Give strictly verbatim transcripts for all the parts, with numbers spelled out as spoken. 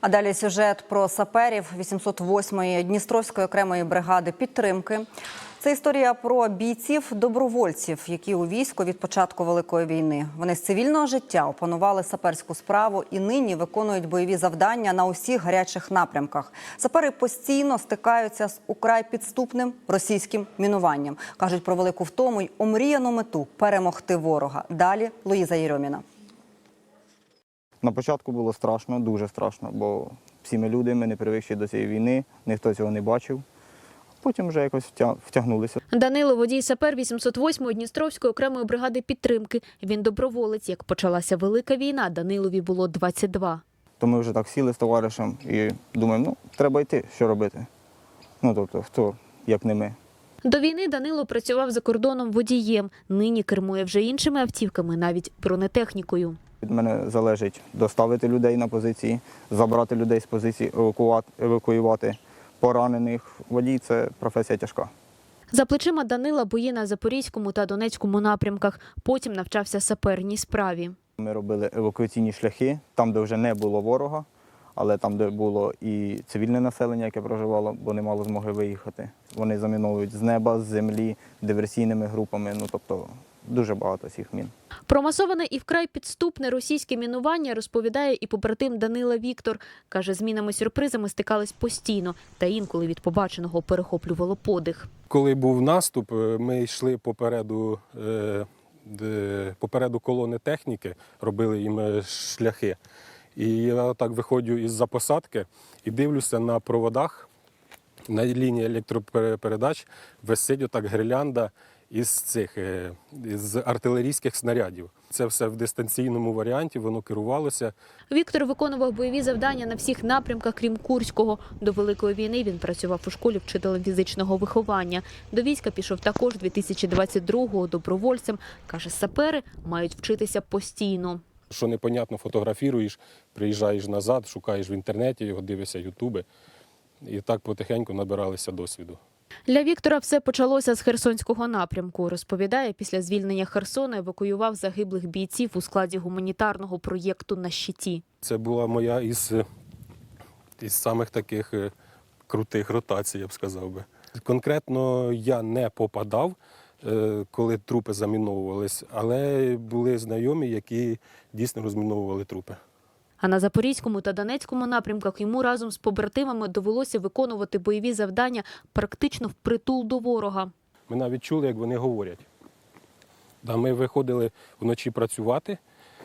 А далі сюжет про саперів вісімсот восьмої Дністровської окремої бригади підтримки. Це історія про бійців-добровольців, які у війську від початку Великої війни. Вони з цивільного життя опанували саперську справу і нині виконують бойові завдання на усіх гарячих напрямках. Сапери постійно стикаються з украй підступним російським мінуванням. Кажуть про велику втому й омріяну мету – перемогти ворога. Далі Луїза Єрьоміна. На початку було страшно, дуже страшно, бо всі ми люди, ми не привикші до цієї війни, ніхто цього не бачив. Потім вже якось втягнулися. Данило – водій-сапер вісімсот восьмої Дністровської окремої бригади підтримки. Він доброволець. Як почалася Велика війна, Данилові було двадцять два. То ми вже так сіли з товаришем і думаємо, ну, треба йти, що робити. Ну, тобто, хто, як не ми. До війни Данило працював за кордоном водієм. Нині кермує вже іншими автівками, навіть бронетехнікою. Від мене залежить доставити людей на позиції, забрати людей з позиції, евакуювати поранених. Водій – це професія тяжка. За плечима Данила бої на Запорізькому та Донецькому напрямках. Потім навчався саперній справі. Ми робили евакуаційні шляхи, там, де вже не було ворога, але там, де було і цивільне населення, яке проживало, бо не мало змоги виїхати. Вони заміновують з неба, з землі, диверсійними групами, ну тобто дуже багато цих мін. Про масоване і вкрай підступне російське мінування розповідає і побратим Данила Віктор. Каже, з мінами-сюрпризами стикались постійно, та інколи від побаченого перехоплювало подих. Коли був наступ, ми йшли попереду, попереду колони техніки, робили їм шляхи. І я так виходжу із-за посадки і дивлюся на проводах, на лінії електропередач висить отак гірлянда із цих із артилерійських снарядів. Це все в дистанційному варіанті, воно керувалося. Віктор виконував бойові завдання на всіх напрямках, крім Курського. До Великої війни він працював у школі вчителем фізичного виховання. До війська пішов також дві тисячі двадцять другого добровольцем. Каже, сапери мають вчитися постійно. Що непонятно, фотографіруєш, приїжджаєш назад, шукаєш в інтернеті, його дивишся ютуби. І так потихеньку набиралися досвіду. Для Віктора все почалося з Херсонського напрямку. Розповідає, після звільнення Херсона евакуював загиблих бійців у складі гуманітарного проєкту «На щиті». Це була моя із, із самих таких крутих ротацій, я б сказав би. Конкретно я не попадав, коли трупи заміновувались, але були знайомі, які дійсно розміновували трупи. А на Запорізькому та Донецькому напрямках йому разом з побратимами довелося виконувати бойові завдання практично впритул до ворога. Ми навіть чули, як вони говорять. Ми виходили вночі працювати,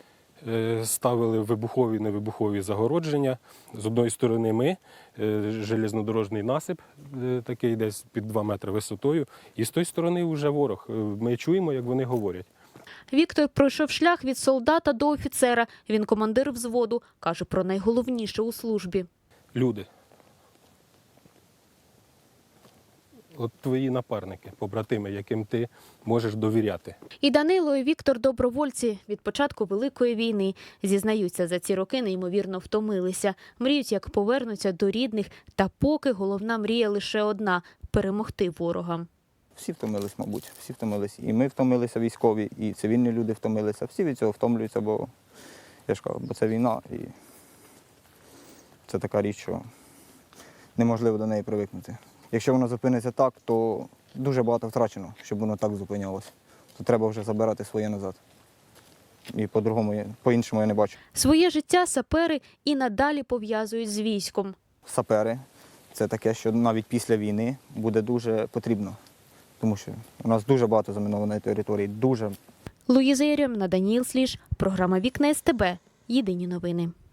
ставили вибухові, невибухові загородження. З одної сторони ми, железнодорожний насип, такий десь під два метри висотою, і з тої сторони вже ворог. Ми чуємо, як вони говорять. Віктор пройшов шлях від солдата до офіцера. Він командир взводу. Каже про найголовніше у службі. Люди. От твої напарники, побратими, яким ти можеш довіряти. І Данило, і Віктор – добровольці від початку Великої війни. Зізнаються, за ці роки неймовірно втомилися. Мріють, як повернуться до рідних. Та поки головна мрія лише одна – перемогти ворога. Всі втомились, мабуть, всі втомились. І ми втомилися, військові, і цивільні люди втомилися. Всі від цього втомлюються, бо, я ж кажу, бо це війна. І це така річ, що неможливо до неї привикнути. Якщо воно зупиниться так, то дуже багато втрачено, щоб воно так зупинялося. То треба вже забирати своє назад. І по-другому, по-іншому я не бачу. Своє життя сапери і надалі пов'язують з військом. Сапери – це таке, що навіть після війни буде дуже потрібно. Тому що у нас дуже багато замінованої території, дуже. Луїза Єрьоміна, Даніїл Сліж, програма «Вікна ес те бе». Єдині новини.